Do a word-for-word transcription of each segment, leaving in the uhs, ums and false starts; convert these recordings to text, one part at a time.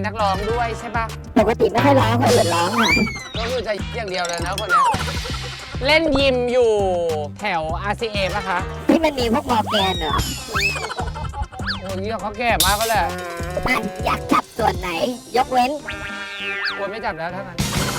เป็นนักร้องด้วยใช่ปะปกติไม่ค่อยร้องคนอื่นร้องค่ะก็คือจะอย่างเดียวเลยนะคนนี้เล่นยิมอยู่แถว อาร์ ซี เอ ป่ะคะที่มันมีพวกมอร์แกนเหรอโอ้ยเขาแก่มากก็แหละอยากจับส่วนไหนยกเว้นกลัวไม่จับแล้วทั้งนั้น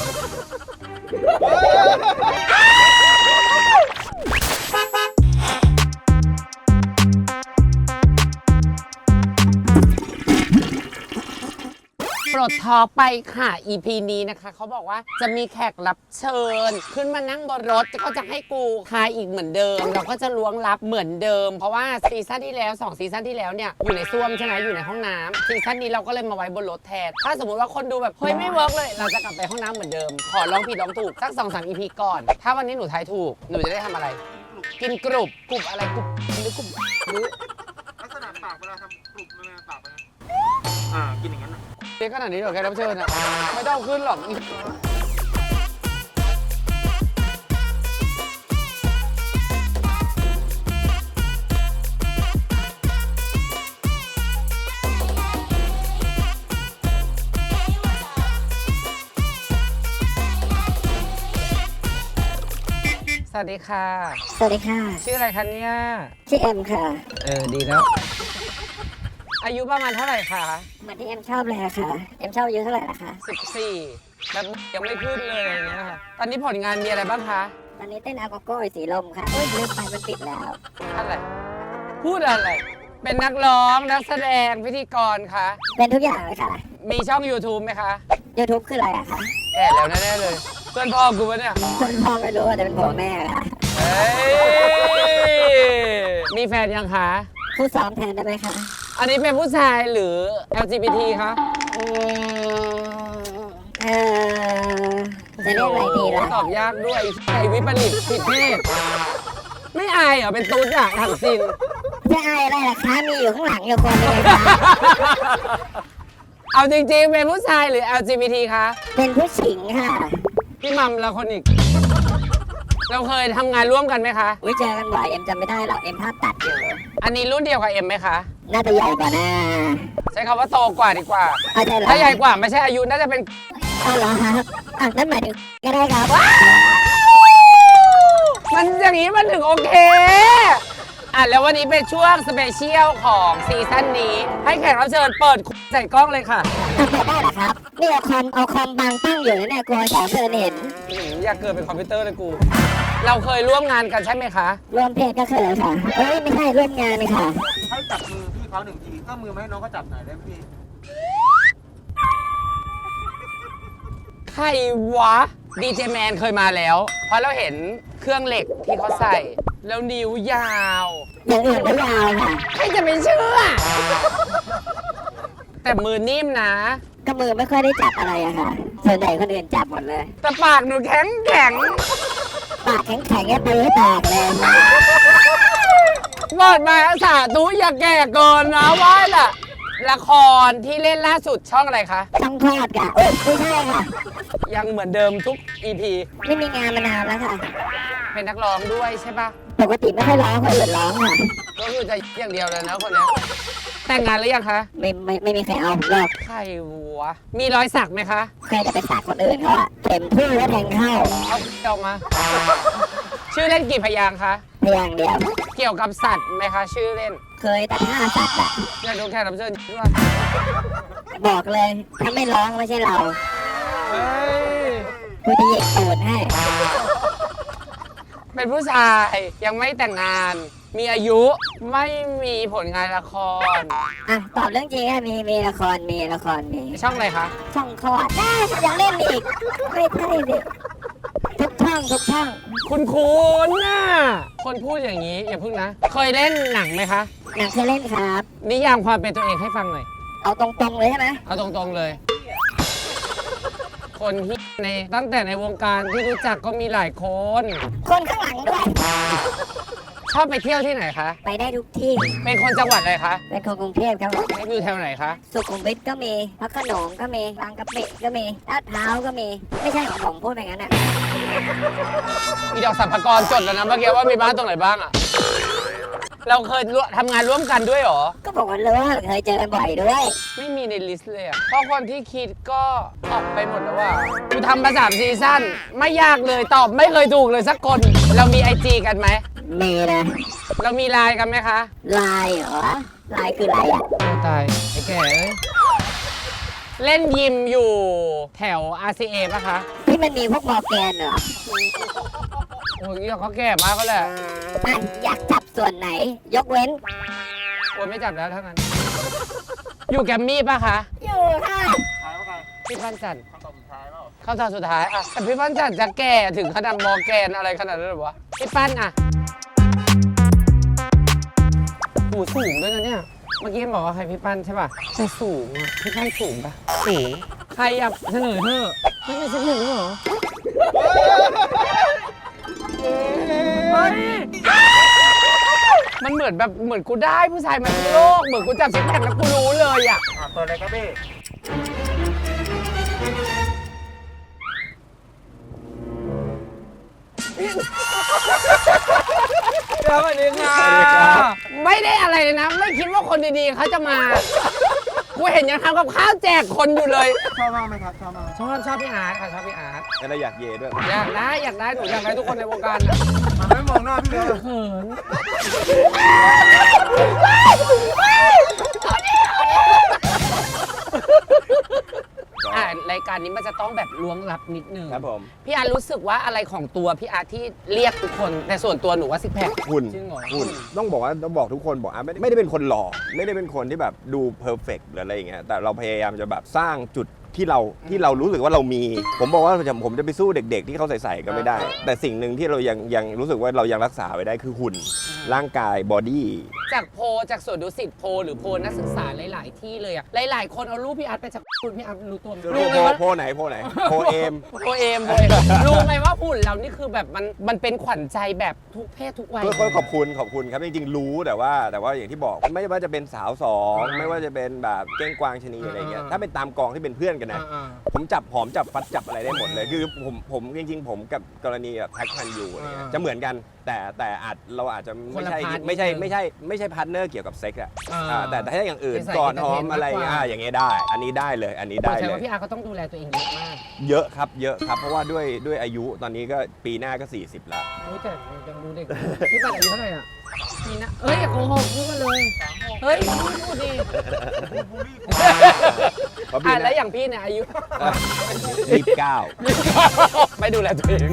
ปลดท็อปไปค่ะ อี พี นี้นะคะเขาบอกว่าจะมีแขกรับเชิญขึ้นมานั่งบนรถก็จะให้กูทายอีกเหมือนเดิมเราก็จะล้วงลับเหมือนเดิมเพราะว่าซีซั่นที่แล้วสองซีซั่นที่แล้วเนี่ยอยู่ในซ่วมใช่ไหมอยู่ในห้องน้ำซีซั่นนี้เราก็เลยมาไว้บนรถแทนถ้าสมมติว่าคนดูแบบเฮ้ยไม่เวิร์กเลยเราจะกลับไปห้องน้ำเหมือนเดิมขอลองผิดลองถูกสัก สองสาม อี พี ก่อนถ้าวันนี้หนูทายถูกหนูจะได้ทำอะไรกินกรุบกรุบอะไรกรุบหรือกรุบหรือลักษณะปากเวลาทำกรุบมันปากไปอ่ากินอย่างนั้นเด็กขนาดนี้เหรอแกรับเชิญอ่ะไม่ต้องขึ้นหรอกสวัสดีค่ะสวัสดีค่ะชื่ออะไรคะเนี่ยชื่อเอ็มค่ะเออดีแล้วอายุประมาณเท่าไหร่คะเหมือนที่เอ็มชอบเลยค่ะเอ็มชอบอายุเท่าไหร่นะคะสิบสี่แบบยังไม่ขึ้นเลยอย่างเงี้ยค่ะตอนนี้ผลงานมีอะไรบ้างคะตอนนี้เต้นอาโกโก้สีลมค่ะเฮ้ยลืมไปมันปิดแล้วอะไรพูดอะไรเป็นนักร้องนักแสดงพิธีกรคะเป็นทุกอย่างเลยค่ะมีช่อง YouTube ไหมคะ YouTube คืออะไรอะคะแก่แล้วแน่ๆเลยเพื่อนพ่อกูปะเนี่ยเพื่อนพ่อไม่รู้แต่เป็นพ่อแม่ค่ะเฮ้ยมีแฟนยังคะผู้ซ้อมแทนได้ไหมคะอันนี้เป็นผู้ชายหรือ แอล จี บี ที คะเออจะเรียกอะไรดีล่ะตอบยากด้วยไอวิปริตผิดเพศไม่อายเหรอเป็นตุ๊ดอะถังซินจะอายอะไรล่ะคะมีอยู่ข้างหลังอยู่คนนึงค่ะเอาจริงๆเป็นผู้ชายหรือ แอล จี บี ที คะเป็นผู้หญิงค่ะพี่มัมละคนอีกเราเคยทำงานร่วมกันไหมคะวิเจอกันบ่อยเอ็มจำไม่ได้หรอกเอ็มภาพตัดอยู่อันนี้รุ่นเดียวกับเอ็มไหมคะน่าจะใหญ่กว่านะใช้คำว่าโตกว่าดีกว่าถ้าใหญ่กว่าไม่ใช่อายุน่าจะเป็นอ๋อเหรอครับอ่ะนั่นหมายถึงก็ได้ครับมันอย่างนี้มันถึงโอเคอ่ะแล้ววันนี้เป็นช่วงสเปเชียลของซีซั่นนี้ให้แขกรับเชิญเปิดใส่กล้องเลยค่ะเปิดได้เหรอครับนี่เอาคอมเอาคอมบังตั้งอยู่เนี่ยกลัวแขกเชิญเห็นอยากเกิดเป็นคอมพิวเตอร์เลยกูเราเคยร่วมงานกันใช่ไหมคะร่วมเพจก็เคยค่ะเฮ้ยไม่ใช่ร่วมงานเลยค่ะให้จับมือพี่เขาหนึ่งทีก็มือไม่ให้น้องเขาจับหน่อยได้ไหมพี่ใครวะดีเจแมนเคยมาแล้วเพราะเราเห็นเครื่องเหล็กที่เขาใส่แล้วนิ้วยาวอย่างอื่นก็ยาวค่ะใครจะไปเชื่อแต่มือนิ่มนะก็มือไม่ค่อยได้จับอะไรอะค่ะส่วนใหญ่คนอื่นจับหมดเลยแต่ปากหนูแข็งแข็งปากแข็งแข็งแค่ตีให้แตกเลยบอกมาสาธุอย่าแก่เกินนะว่าล่ะละครที่เล่นล่าสุดช่องอะไรคะช่องคลอดค่ะเอ้ยไม่ใช่ค่ะยังเหมือนเดิมทุก อี พีไม่มีงานมานานแล้วค่ะเป็นนักร้องด้วยใช่ปะปกติไม่ค่อยร้องคนอื่นร้องค่ะก็คือจะอย่างเดียวเลยนะคนนี้แต่งงานหรือยังคะไม่ไม่ไม่มีใครเอาผมหรอกใครวะมีรอยสักไหมคะใครจะไปสักคนอื่นเขาอะเข็มทื่อแล้วแทงเข้าเอาออกมาชื่อเล่นกี่พยางคะพยางเดียวเกี่ยวกับสัตว์ไหมคะชื่อเล่นเคยแต่ห้าสัตว์อะอยากดูแขกรับเชิญด้วยบอกเลยถ้าไม่ร้องไม่ใช่เราเฮ้ยกูจะเหยียบตูดให้เป็นผู้ชายยังไม่แต่งงานมีอายุไม่มีผลงานละครอ่ะตอบเรื่องจริงมีมีละครมีละครมีช่องอะไรคะช่องคลอดได้ยังเล่นอีกไม่ใช่ดิทุกช่องทุกช่องคุณคุณน่ะคนพูดอย่างนี้อย่าพึ่งนะเคยเล่นหนังไหมคะหนังเคยเล่นครับนิยามความเป็นตัวเองให้ฟังหน่อยเอาตรงๆเลยใช่ไหมเอาตรงๆเลยคนที่ในตั้งแต่ในวงการที่รู้จักก็มีหลายคนคนข้างหลังด้วยชอบไปเที่ยวที่ไหนคะไปได้ทุกที่เป็นคนจังหวัดอะไรคะเป็นคนกรุงเทพครับอยู่แถวไหนคะสุขุมวิทก็มีพระโขนงก็มีบางกะปิก็มีลาดพร้าวก็มีไม่ใช่ของผมพูดแบบนั้นอ่ะมีดอกสรรพากรจดแล้วนะเมื่อกี้ว่ามีบ้านตรงไหนบ้างอ่ะเราเคยร่วมทำงานร่วมกันด้วยเหรอก็บอกว่าเลยว่าเคยเจอกันบ่อยด้วยไม่มีในลิสต์เลยอะเพราะคนที่คิดก็ออกไปหมดแล้วว่ากูทำมาสามซีซั่นไม่ยากเลยตอบไม่เคยถูกเลยสักคน เรามีไอจีกันไหมมีนะเรามีไลน์กันไหมคะลายเหรอลายคืออะไรอ่ะโอ้ตาย ไอ้แก่เอ้ย เล่นยิมอยู่แถว อาร์ ซี เอ ป่ะคะที่มันมีพวกมอร์แกนเหรอโอ้ยเขาแก่มากก็แหละมันอยากจับส่วนไหน ยกเว้นโอ้ยไม่จับแล้วทั้งนั้น อยู่แกมมี่ป่ะคะอยู่ค่ะท้ายว่าไงพี่พันจันทร์คำตอบสุดท้ายเปล่าเข้าตอนสุดท้ายอะแต่พี่พันจันทร์จะแก่ถึงขนาดมอร์แกนอะไรขนาดนั้นเลยวะ พี่ปั้นอะหูสูงด้วยนะเนี่ย เมื่อกี้บอกว่าใครพี่ปั้นใช่ป่ะแต่สูงอะพี่ปั้นสูงป่ะสูงใครอยากเฉลยเถอะไม่เป็นเฉลยเหรอเฮ้ยมันเหมือนแบบเหมือนกูได้ผู้ชายมาทั้งโลกเหมือนกูจับซิกแพคแล้วกูรู้เลยอะอ่ะเปิดเลยครับพี่สวัสดีค่ะไม่ได้อะไรเลยนะ ไม่คิดว่าคนดีๆเขาจะมากูเห็นยังทำกับข้าวแจกคนอยู่เลยชอบมากไหมครับ ชอบมากไหมชอบชอบพี่อาร์ตค่ะชอบพี่อาร์ตแล้วเราอยากเย่ด้วยอยากได้อยากได้หนูอยากได้ทุกคนในวงการนะมันไม่มองหน้าพี่เลยเขินอ่ารายการนี้มันจะต้องแบบล้วงลับนิดนึงครับผมพี่อาร์ตรู้สึกว่าอะไรของตัวพี่อาร์ตที่เรียกทุกคนแต่ส่วนตัวหนูว่าซิกแพคหุ่นจริงเหรอหุ่นต้องบอกว่าต้องบอกทุกคนบอกอ่ะไม่ได้ไม่ได้เป็นคนหล่อไม่ได้เป็นคนที่แบบดูเพอร์เฟกต์หรืออะไรอย่างเงี้ยแต่เราพยายามจะแบบสร้างจุดที่เราที่เรารู้สึกว่าเรามี ผมบอกว่าผมผมจะไปสู้เด็ก ๆ ที่เขาใส่ๆก็ไม่ได้ แต่สิ่งหนึ่งที่เรายังยังรู้สึกว่าเรายังรักษาไว้ได้คือหุ่นร่างกายบอดี้จากโพลจากสวนดุสิตโพลหรือโพลนักศึกษาหลาย ๆ ที่เลยอะหลาย ๆ คนเอารูปพี่อาร์ตไปจากคุณพี่อาร์ตรู้ตัวไหมโพรู้ไหมโพว่าโพไหนโพไหนโพเอมโพเอมโพเอมรู้ไหมว่าหุ่นเรานี่คือแบบมันมันเป็นขวัญใจแบบทุกเพศทุกวัยก็ก็ขอบคุณขอบคุณครับจริงๆรู้แต่ว่าแต่ว่าอย่างที่บอกไม่ว่าจะเป็นสาวสองไม่ว่าจะเป็นแบบเก้งกวางชะนีอะไรเงี้ยถ้าเป็นตามกองที่เป็นเพื่อนกันนะอ่าผมจับหอมจับฟัดจับอะไรได้หมดเลยคือผมผมจริงๆ ผมกับกรณีแบบแท็กพันยูอะไรเงี้ยอ่าจะเหมือนกันแต่แต่อาจเราอาจจะคนไม่ละใช่พาร์ทไม่ใช่นิดนึงไม่ใช่ไม่ใช่พาร์ทเนอร์เกี่ยวกับเซ็กอะอ่าอ่าแต่แต่ถ้าอย่างอื่นเป็นสายก่อนหอม entertainment อะไรมากกว่าอ่าอย่างเงี้ยได้ อันนี้ได้เลยอันนี้ๆได้แสดงเลว่าย พี่อาร์ตก็ต้องดูแลตัวเองเยอะมากเยอะครับเยอะครับเพราะว่าด้วยด้วยอายุตอนนี้ก็ปีหน้าก็ สี่สิบ แล้วรู้แต่ยังดูเด็กอยู่พี่ปัดอายุเท่าไหร่อ่ะมีนะเอ้ยอย่าโกหกพูดมาเลยเฮ้ยพูดดิเพราะปีอ่ะหแล้น้าวอย่างพี่เนี่ยอายุยี่สิบเก้าไม่ดูแลตัวเอง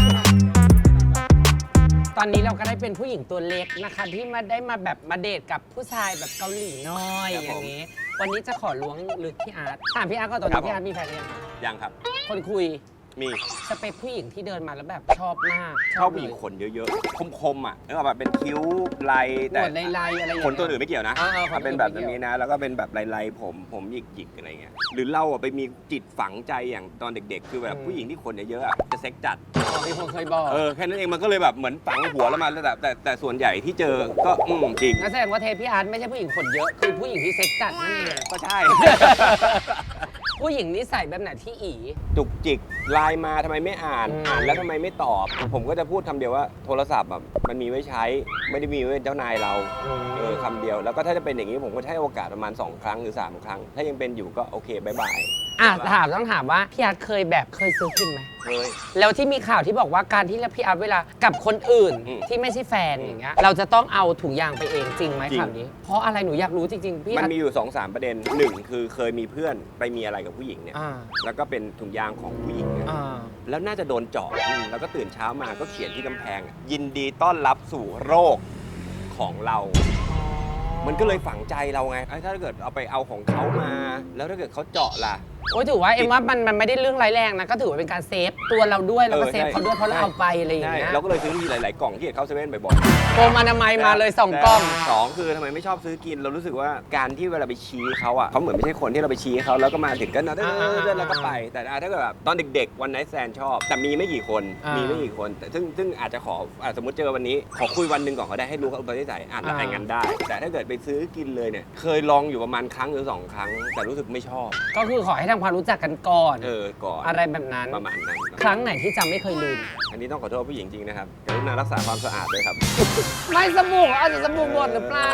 ตอนนี้เราก็ได้เป็นผู้หญิงตัวเล็กนะคะ ที่มาได้มาแบบมาเดทกับผู้ชายแบบเกาหลีน้อยอย่างนี้ วันนี้จะขอล้วงลึกพี่อาร์ตถามพี่อาร์ตก็ตอนนี้พี่อาร์ตมีแฟนหรือยังยังครับคนคุยมีสเปคผู้หญิงที่เดินมาแล้วแบบชอบมากชอบผู้หญิงขนเยอะๆ คมๆอ่ะนึกออกแบบเป็นคิ้วลายหนแต่วดลายๆอะไรอย่างขเงี้ยนตัวอื่นไม่เกี่ยวนะอ่าๆขนตัวอื่นมันเป็นแบบไม่เกี่ยวนี้นะ แล้วก็เป็นแบบลายๆผมผมหยิกๆอะไรเงี้ยหรือเราอ่ะไปมีจิตฝังใจอย่างตอนเด็กๆ คือแบบผู้หญิงที่ขนเยอะๆอะจะเซ็กจัดอ๋อมีคนเคยบอกเออแค่นั้นเองมันก็เลยแบบเหมือนฝังหัวแล้วมาแต่แต่แต่ส่วนใหญ่ที่เจอก็อืมจริงงั้นแสดงว่าเทปพี่อาร์ตไม่ใช่ผู้หญิงขนเยอะ คือผู้หญิงที่เซ็กจัดนั่นเองก็ใช่ผู้หญิงนิสัยแบบไหนที่อีจุกจิกไลน์มาทำไมไม่อ่านอืมอ่านแล้วทำไมไม่ตอบ ผมก็จะพูดคำเดียวว่าโทรศัพท์แบบมันมีไว้ใช้ ไม่ได้มีไว้เป็นเจ้านายเราเออคำเดียวแล้วก็ถ้าจะเป็นอย่างนี้ผมก็จะให้โอกาสประมาณสองครั้งหรือสามครั้ง ถ้ายังเป็นอยู่ก็โอเคบายบายอ่ะถามต้องถามว่าพี่อาร์ตเคยแบบเคยซื้อกินไหมเฮ้ยแล้วที่มีข่าวที่บอกว่าการที่พี่อาร์ตเวลากับคนอื่นอืมที่ไม่ใช่แฟนอย่างเงี้ยเราจะต้องเอาถุงยางไปเองจริงไหมจริงข่าวนี้ เพราะอะไรหนูอยากรู้จริงๆพี่มันอาร์ตมีอยู่สองสามประเด็นหนึ่งคือเคยมีเพื่อนไปมีอะไรกับผู้หญิงเนี่ยอ่าแล้วก็เป็นถุงยางของผู้หญิงเนี่ยอ่าแล้วน่าจะโดนเจาะอืมแล้วก็ตื่นเช้ามาก็เขียนที่กำแพงอะยินดีต้อนรับสู่โรคของเรา มันก็เลยฝังใจเราไงเอ้ยถ้าเกิดเอาไปเอาของเขามา แล้วถ้าเกิดเขาเจาะล่ะโอ้ยถือว่าเอ็มว่ามันมันไม่ได้เรื่องร้ายแรงนะก็ถือว่าเป็นการเซฟตัวเราด้วยแล้วก็เออเซฟใช่เขาด้วยเพราะเราเอาไปอะไรอย่างใช่เงี้ยเราก็เลยซื้อที่หลาย ๆ กล่องที่เข้าเซเว่นบ่อยโกมอนามัยๆมาเลยสองกล้องสองคือทำไมไม่ชอบซื้อกิน เรารู้สึกว่าการที่เวลาไปชี้เขาอ่ะเขาเหมือนไม่ใช่คนที่เราไปชี้เขาแล้วก็มาถึงก็นะเดินแล้วก็ไป แต่ถ้าเกิดแบบตอนเด็ก ๆ วันไนท์แซนชอบ แต่มีไม่กี่คนอ่ามีมีไม่กี่คนแต่ซึ่งซึ่งอาจจะขออ่ะสมมติเจอวันนี้ขอคุยวันหนึ่งก่อนก็ได้ให้รู้เขาอุปนิสัยอ่านแล้วอ่านงานได้ แต่ถ้าเกิดไปซื้อกินเลยเนี่ยเคยลองอยู่ประมาณครั้งหรือสองครั้ง แต่รู้สึกไม่ชอบก็คือขอให้ทำความรู้จักกันก่อนเออก่อนอะไรแบบนั้นประมาณนั้นครั้งไหนที่จำไม่เคยลืมอันนี้ต้องขอโทษผู้หญิงจริงนะครับกรุณารักษาความสะอาดด้วยครับไม่สบู่เอาแต่สบู่หมดหรือเปล่าก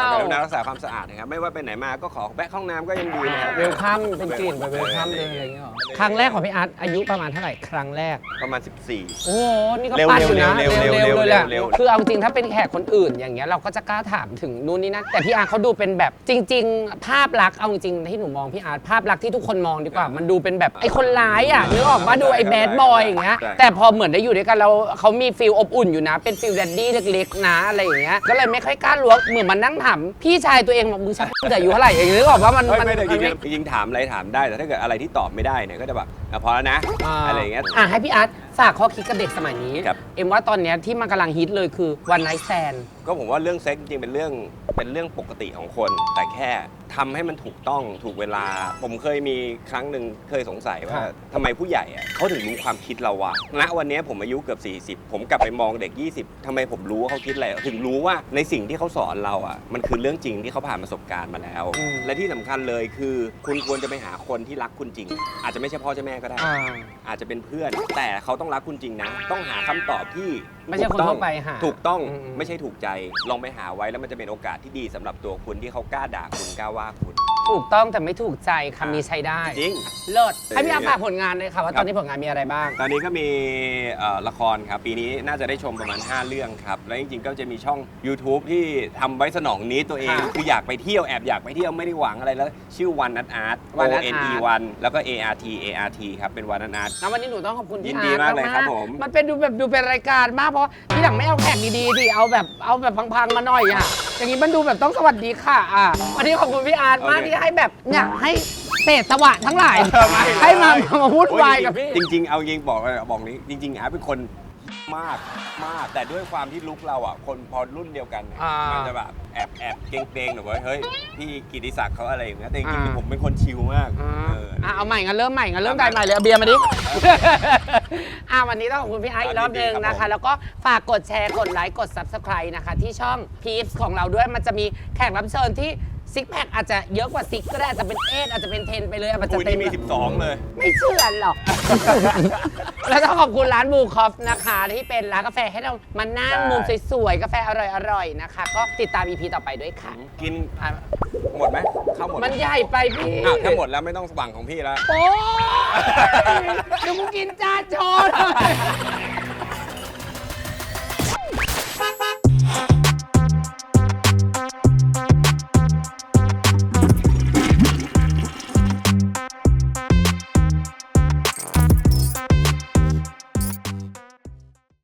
รุณารักษาความสะอาดนะครับไม่ว่าไปไหนมาก็ขอแวะห้องน้ำก็ยังดีนะครับเวลคัมเป็นกลิ่นแบบเวลคัมเลยอะไรอย่างเงี้ยหรอครั้งแรกของพี่อาร์ตอายุประมาณเท่าไหร่ครั้งแรกประมาณสิบสี่โอ้โหนี่ก็เร็วปัดอยู่นะเร็วเร็วเร็วๆเลยแหละเร็วคือเอาจริงถ้าเป็นแขกคนอื่นอย่างเงี้ยเราก็จะกล้าถามถึงนู่นนี่นั่นแต่พี่อาร์ตเขาดูเป็นแบบจริง ๆ ภาพลักษณ์เอาจริงๆที่หนูมองพี่อาร์ตภาพลักษณ์ที่ทุกคนมองดีกว่า มันดูเป็นแบบไอ้คนร้ายอ่ะนึกออกมาดูไอ้แบดบอยอย่างเงี้ยแต่พอเหมือนได้อยู่ด้วยกันเราเขามีฟีลอบอุ่นอยู่นะเป็นฟีลแดดดี้เล็กๆนะอะไรอย่างเงี้ยก็เลยไม่ค่อยกล้าล้วงเหมือนมันนั่งถามพี่ชายตัวเองบอกมึงชักแต่อายุเท่าไหร่อย่างเงี้ยนึกออกว่ามันเฮ้ยมันไม่ได้มันจริงไม่ๆจริงๆถามอะไรถามได้แต่ถ้าเกิดอะไรที่ตอบไม่ได้เนี่ยก็จะแบบอ่ะพอแล้วนะอะไรอย่างเงี้ยอ่ะให้พี่อาร์ตฝากข้อคิดกับเด็กสมัยนี้ครับเอ็มว่าตอนเนี้ยที่มันกำลังฮิตเลยคือวันไนท์แซนก็ผมว่าเรื่องเซ็กจริงๆเป็นเรื่องเป็นเรื่องปกติของคน แต่แค่ทำให้มันถูกต้องถูกเวลา ผมเคยมีครั้งหนึ่งเคยสงสัยว่าทำไมผู้ใหญ่อะเขาถึงรู้ความคิดเราวะณวันนี้ผมอายุเกือบสี่สิบผมกลับไปมองเด็กยี่สิบทำไมผมรู้ว่าเขาคิดอะไรถึงรู้ว่าในสิ่งที่เขาสอนเราอ่ะมันคือเรื่องจริงที่เขาผ่านประสบการณ์มาแล้ว และที่สำคัญเลยคือคุณควรจะไปหาคนที่รักคุณจริง อาจจะไม่ใช่พ่อใช่แม่ก็ได้อ่าอาจจะเป็นเพื่อน แต่เขาต้องรักคุณจริงนะ ต้องหาคำตอบที่ไม่ใช่คนทั่วไปหาถูกต้องอืมไม่ใช่ถูกใจลองไปหาไว้แล้วมันจะเป็นโอกาสที่ดีสำหรับตัวคุณที่เขากล้าด่าคุณกล้าว่าคุณถูกต้องแต่ไม่ถูกใจคำนี้ใช้ได้จริงเลิศให้พี่อาร์ตฝากผลงานเลยค่ะว่าตอนนี้ผลงานมีอะไรบ้างตอนนี้ก็มีเอ่อละครครับ ปีนี้น่าจะได้ชมประมาณ ห้า เรื่องครับ แล้วจริงๆ ก็จะมีช่อง YouTube ที่ทำไว้สนองนี้ตัวเองค่ะคืออยากไปเที่ยวแอบอยากไปเที่ยวไม่ได้หวังอะไรแล้ว ชื่อวันนัทอาร์ต O One Art N E วันแล้วก็ A R T A R T ครับ เป็นวันนัทอาร์ตงั้นวันนี้หนูต้องขอบคุณยิพี่นอาดีร์ตมากเลยครับผมมันเป็นดูแบบดูเป็นรายการมากเพราะที่หลังไม่เอาแขกดีๆดิเอาแบบเอาแบบพังๆมาหน่อยอ่ะอย่างนี้มันดูแบบต้องสวัสดีค่ะอ่ะวันนี้ขอบคุณพี่อาร์ตมากที่ให้แบบเนี่ยให้เศษสวะทั้งหลายให้มามาพูดวายกับพี่จริงๆ เอาจริงบอกเลยบอกนี้จริงๆอาร์ตเป็นคนมากมาก แต่ด้วยความที่ลุกเราอ่ะคนพอรุ่นเดียวกันเนี่ยอ่ามัมันจะแบบแอบแอบเกรงๆหน่อยว่าเฮ้ยพี่กิติศักดิ์เขาอะไรอย่างเงี้ยแต่จริงอ่าๆผมเป็นคนชิลมากอ่าเอออ่ะเอาใหม่งั้นเริ่มใหม่งั้นเริ่มได้ใหม่เลยเอาเบียร์มาดิ อ่ะวันนี้ต้องขอบคุณพี่ไอซ์อีกรอบหนึงนะคะ แล้วก็ฝากกดแชร์กดไลค์กด Subscribe นะคะ ที่ช่อง Peeps ของเราด้วยมันจะมีแขกรับเชิญที่ซิกแพคอาจจะเยอะกว่าซิกก็ได้อาจจะเป็นเอทอาจจะเป็นเทนไปเลยอาจจะอุ้ยเต็นี่มมีสิบสองเลยไม่เชื่อหรอก แล้วต้องขอบคุณร้านบูคอฟนะคะที่เป็นร้านกาแฟให้เรามานั่งใช่มุมสวยๆกาแฟอร่อยๆนะคะ ก็ติดตาม อี พี ต่อไปด้วยค่ะกินอ่ะหมดไหมเข้าหมดไหมันใหญ่ไปพี่อ่ะถ้าหมดแล้วไม่ต้องหวังของพี่แล้วโอ้ยเดี๋ยวมึงกินจานโชว์หน่อย